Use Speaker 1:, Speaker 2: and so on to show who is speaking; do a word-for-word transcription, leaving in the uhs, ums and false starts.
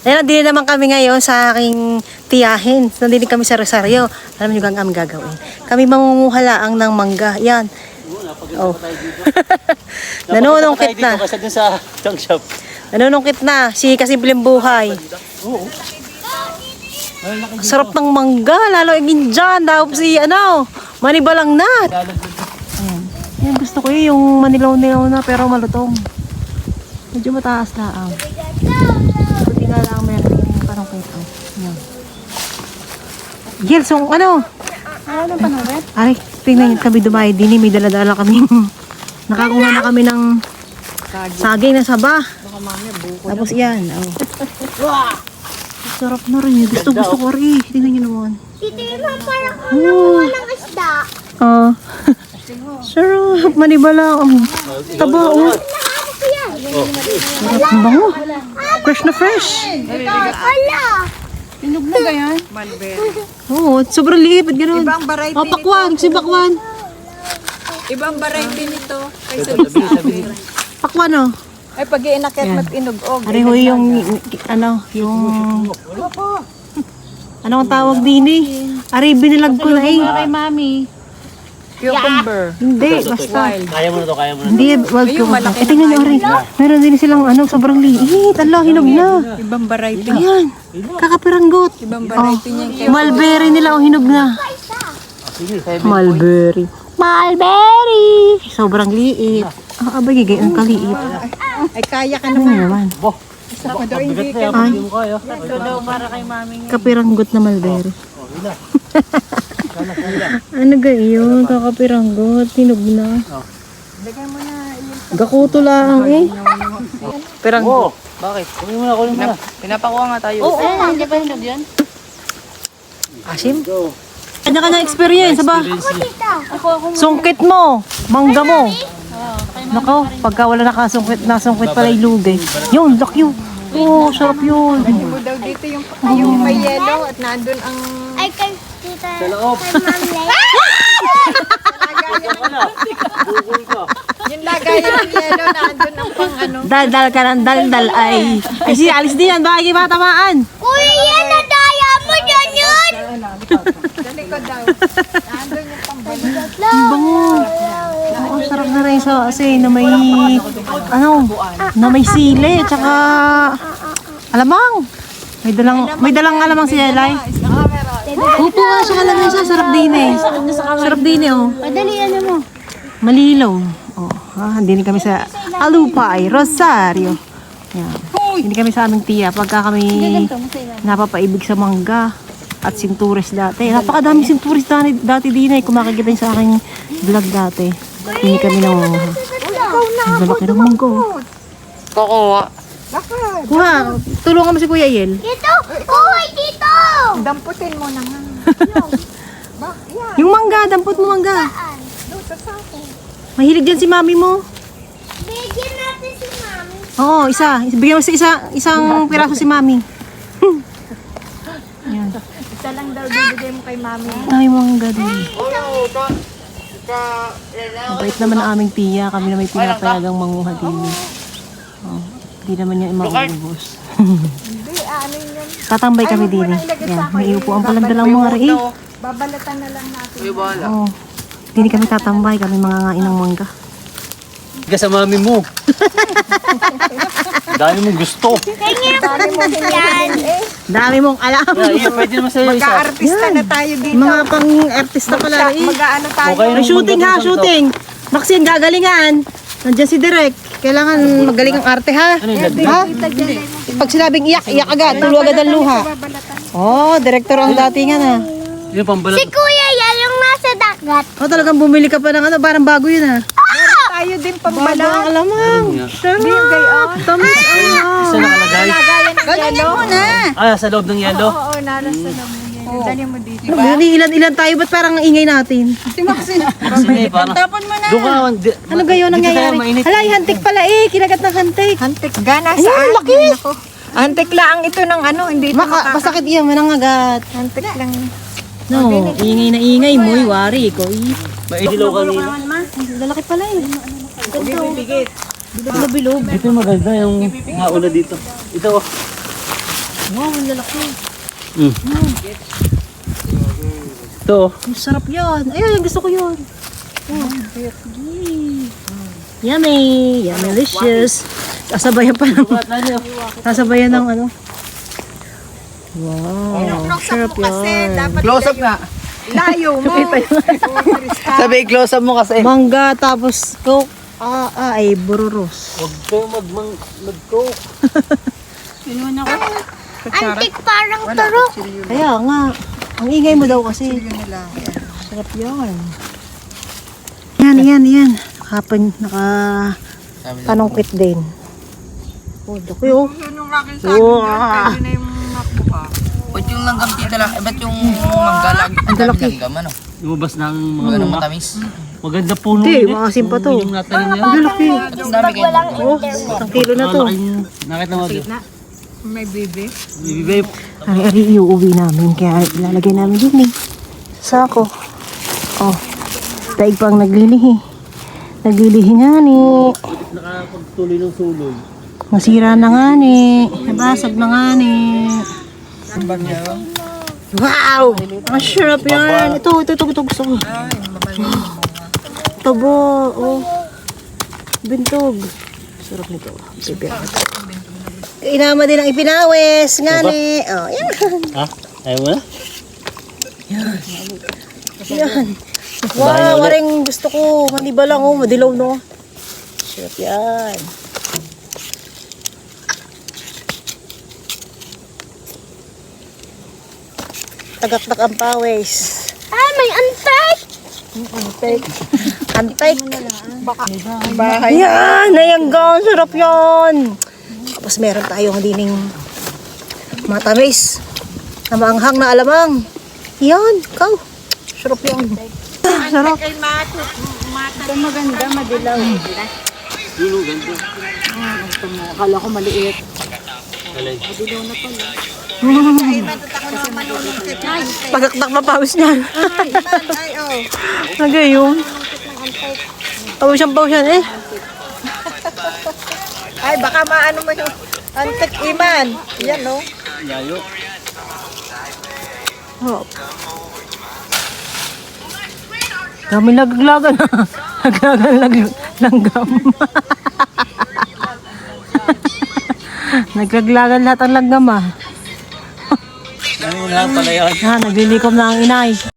Speaker 1: Ayan, nandito naman kami ngayon sa aking tiyahin. Nandito kami sa Rosario. Alam niyo gang aming gagawin. Kami mangunguha laang ng mangga. Yan. Oh. Nanunungkit na.
Speaker 2: Kasi dun sa junk shop.
Speaker 1: Nanunungkit na. Si Kasimpleng Buhay.
Speaker 2: Oo.
Speaker 1: Sarap ng mangga. Lalo yung dyan. Dahil si ano, manibalang na. Ayan. Yan, gusto ko yung manilaw-nilaw na pero malutong. Medyo mataas laang. Buti nga lang meron yung parang kwento. Yan. Gil, so ano? Ano pa na rin? Aray, tingnan kami dumayo din. May dala-dala kami. Nakakuha na kami ng saging na saba. Tapos yan. Oh. Sarap na rin. Gusto gusto ko rin. Tingnan nyo naman.
Speaker 3: Tito yung parang ano ng isda.
Speaker 1: Ah. Sarap. Manibala. Um, taba. Oh. Sarap. Ang bango. Fresh na fresh.
Speaker 3: Wala.
Speaker 4: Pinog na ganyan? Malbero.
Speaker 1: Oo. Sobrang liit. Ba't gano'n?
Speaker 4: Ibang variety
Speaker 1: Oh, pakwan. Si pakwan.
Speaker 4: Ibang variety nito. Kaysa
Speaker 1: Pakwan oh.
Speaker 4: ay pag iinakit mat inog-og.
Speaker 1: Ari ho yung, ano, yung... Ano ang tawag din eh? Ari, binilag ko na eh.
Speaker 4: Kay mami. Cucumber.
Speaker 1: Hindi, basta.
Speaker 2: Kaya mo na to, kaya mo na to.
Speaker 1: Hindi, wag ko. Eh, tingnan nyo, Ari. Meron din silang, ano, sobrang liit. Ala, hinog na.
Speaker 4: Ibang variety.
Speaker 1: Ayan, kakapiranggot.
Speaker 4: Ibang variety niya.
Speaker 1: Oh, mulberry nila, oh, hinog na. Mulberry. Mulberry! Sobrang liit. Ah, abay, gigay, ang kaliit.
Speaker 4: Ay kaya ka
Speaker 1: Ano
Speaker 4: naman.
Speaker 1: naman?
Speaker 4: Ako daw hindi ka.
Speaker 1: Ay,
Speaker 2: Hindi mo kaya.
Speaker 4: Ito daw para kay mami niya.
Speaker 1: kapiranggot na mulberry. Ano ga yun? Kakapiranggot. Hinog na.
Speaker 4: Lagay mo na.
Speaker 1: Gakuto lang eh.
Speaker 2: Oo. Bakit? Kunin mo na, kunin mo na.
Speaker 4: Pinapakuha nga tayo.
Speaker 1: Oo, oh, hindi pa hinog yan. Asim? Kanya-kanya experience, ba? Sungkit mo, mangga mo. Nako, pagka wala nakasungkit, nasungkit pala yung lugay. Yun, lock yun. Oo, sarap yun.
Speaker 4: Hindi mo daw dito yung, yung may yellow at nandun ang...
Speaker 3: Ay, kay tita.
Speaker 2: Sa loob.
Speaker 3: Kay mami.
Speaker 2: Bukol ka.
Speaker 4: Yung lagayan ng yellow nandun ang pang ano.
Speaker 1: Dal-dal ka ng dal-dal ay. Ay, si Alice din yan, bakit ba tamaan?
Speaker 3: Kuya, yan na daya mo dyan yun.
Speaker 4: Sa likod daw. Nandun yung pang balik.
Speaker 1: Ang bango. Oo, sarap na rin sa kasi na may, ano, na may sili, tsaka alamang. May dalang, may dalang alamang si Elay. Upo nga siya kalamang siya, sarap din eh. Sarap din eh, oh.
Speaker 3: Madali, ano mo?
Speaker 1: Malilaw. Oh, ah, hindi kami sa Alupay, Rosario. Yan. Hindi kami sa aming tiya pagka kami napapaibig sa mangga at sinturis dati. Napakadami sinturis dati, dati din eh. Kung makikita niyo sa aking vlog dati. Hindi kami nangunguha. Ang lalaki ng mangga.
Speaker 4: Kukuha.
Speaker 1: Kuha, tulungan mo si Kuya Yel.
Speaker 3: Dito! Uy, dito!
Speaker 4: Damputin mo na nga. Ba, yan.
Speaker 1: Yung mangga, dampot mo mangga.
Speaker 4: Doon sa sako.
Speaker 1: Mahilig dyan si mami mo.
Speaker 3: Bigyan natin si mami.
Speaker 1: Oo, isa. Bigyan mo sa isa, isang piraso si mami. Yan.
Speaker 4: Isa lang daw bibigay mo kay mami.
Speaker 1: Dami mangga din. Mabait naman ang aming tiya. Kami na may pinapayagang manguha din. Oh, hindi naman niya mauubos.
Speaker 4: Hindi, ano yun.
Speaker 1: Tatambay kami din eh. Yan, may upuan palang dalang mga rin.
Speaker 4: Babalatan na lang natin.
Speaker 1: Oo. Hindi kami tatambay. Kami mga ngain ng mangga.
Speaker 2: Higa sa mami mo. Dami mong gusto.
Speaker 3: Dami mo yan.
Speaker 1: Dami mong alam.
Speaker 2: Yeah, yeah, pwede naman sa'yo isa.
Speaker 4: Mag-aartista na tayo dito.
Speaker 1: Mga pang-artista pala rin.
Speaker 4: Mag-ano tayo.
Speaker 2: Okay.
Speaker 1: May shooting ha, shooting. Maxine, gagalingan. Nandiyan si Direk. Kailangan magaling ang arte ha.
Speaker 2: Ano yung
Speaker 1: Ha? Pag sinabing iyak, iyak agad. Tulo agad ang luha. Oh, director ang datingan ha.
Speaker 2: Yung pambalat.
Speaker 3: Si kuya yan yung nasa dagat.
Speaker 1: Oh, talagang bumili ka pa ng ano, parang bago yun ha.
Speaker 4: Tayo din
Speaker 1: Bago ang
Speaker 4: pambalat.
Speaker 1: alamang. Sarap. Tamis
Speaker 2: Isa
Speaker 1: ang.
Speaker 2: nakalagay.
Speaker 4: Galingan mo na.
Speaker 2: Ah, sa loob ng yelo.
Speaker 4: Oo, naras na lang mo yan. Dali mo dito.
Speaker 1: Ano, ilan-ilan tayo, ba't parang ang ingay natin?
Speaker 4: Si Maxine.
Speaker 2: Sige, parang.
Speaker 4: Tapon mo na.
Speaker 2: Doon ka. di-
Speaker 1: Ano gayon
Speaker 2: dito tayo
Speaker 1: nangyayari?
Speaker 2: mainit.
Speaker 1: Hala, hantik pala eh. Kinagat ng hantik.
Speaker 4: Antik gana
Speaker 1: Ayun,
Speaker 4: saan?
Speaker 1: laki.
Speaker 4: Ako. Antik lang ito ng ano, hindi ito
Speaker 1: Maka,
Speaker 4: maka...
Speaker 1: masakit iyan, manangagat.
Speaker 4: Antik lang.
Speaker 1: No, ingay na ingay mo, wari ko.
Speaker 2: Maidilaw kanina.
Speaker 1: Lalaki pala eh. Bilog na bilog.
Speaker 2: Ito yung maganda yung nauna dito. Ito oh.
Speaker 1: Wow, ang lalaki.
Speaker 2: Mm. Ito.
Speaker 1: Ang sarap yan. Ayun, gusto ko yun. Oh. Yummy. Yummy, delicious. Sasabayan pa ng... Sasabayan ng ano. Wow. Sarap yan.
Speaker 2: Close up nga.
Speaker 4: Layo mo.
Speaker 2: Sabi, close up mo kasi.
Speaker 1: Mangga tapos coke. Ah, ah, ay bururos.
Speaker 2: Huwag kayo mag mag-coke.
Speaker 3: Antik parang turok.
Speaker 1: Kaya nga. Ang ingay mo daw kasi.
Speaker 4: Yun nila.
Speaker 1: Sarap yan. Yan, yan, yan. Nakapan, naka... panungkit din. Oh, dako yun.
Speaker 4: Yun yung aking sabi doon. Pwede na yung makbo ka.
Speaker 5: Ba't yung langgam tita lang? Eh, ba't yung manggalag? Ang
Speaker 1: lalaki.
Speaker 5: Langgam, ano?
Speaker 2: Lumabas na ang mga
Speaker 5: Ano
Speaker 2: bunga.
Speaker 5: matamis?
Speaker 2: Maganda puno.
Speaker 1: Hindi,
Speaker 2: yun eh.
Speaker 1: maasim pa to.
Speaker 2: Yung natanim niya.
Speaker 1: Ang lalaki.
Speaker 5: Ang dami kayo.
Speaker 1: Oh, isang kilo na to.
Speaker 2: Nakita mo dito.
Speaker 4: May baby.
Speaker 2: Bibigay.
Speaker 1: Ari-ari iuuwi namin. Kaya ilalagay namin din eh. Sako. Oh. Daig pang naglilihi. Naglilihi nga ni.
Speaker 2: Nakapagtuloy ng suloy.
Speaker 1: Masira na nga ni. Nabasag na nga ni. Wow! Ang sarap yan. Ito, ito, ito, ito. Gusto ko. Tabo. Oh. Bintog. Sarap nito. Bibir. Inama din ang ipinawis. Nga ni. Oh, yan.
Speaker 2: Ha? Ayaw mo na?
Speaker 1: Yan. Wow, maring gusto ko. Maniba lang oh. Madilaw no. Sarap yan. Tagaktak ang pawis.
Speaker 3: Ah, may antik.
Speaker 1: Antek. Antek.
Speaker 4: Bahay.
Speaker 1: Yan, nayangga. Sarap yan. Tapos meron tayong dining matamis. Na maanghang na alamang. Yan, ikaw. Sarap yan. Sarap.
Speaker 4: Kay Mato. Ito maganda, madilaw.
Speaker 2: Dulo, ganda.
Speaker 1: Akala ko maliit.
Speaker 2: Alay.
Speaker 1: Pagaktak na pawis niyan.
Speaker 4: Ay, oh.
Speaker 1: Nagayon. Pawisan pawisan eh.
Speaker 4: Ay, baka maano mo yung antik iman. Yan, no?
Speaker 2: Layo.
Speaker 1: Oh. Kami naglagan. Naglagan lag langgam. Naglaglagan lahat ang langgam ah.
Speaker 2: Ano na pala yun?
Speaker 1: Ha, naglilikom na ang inay.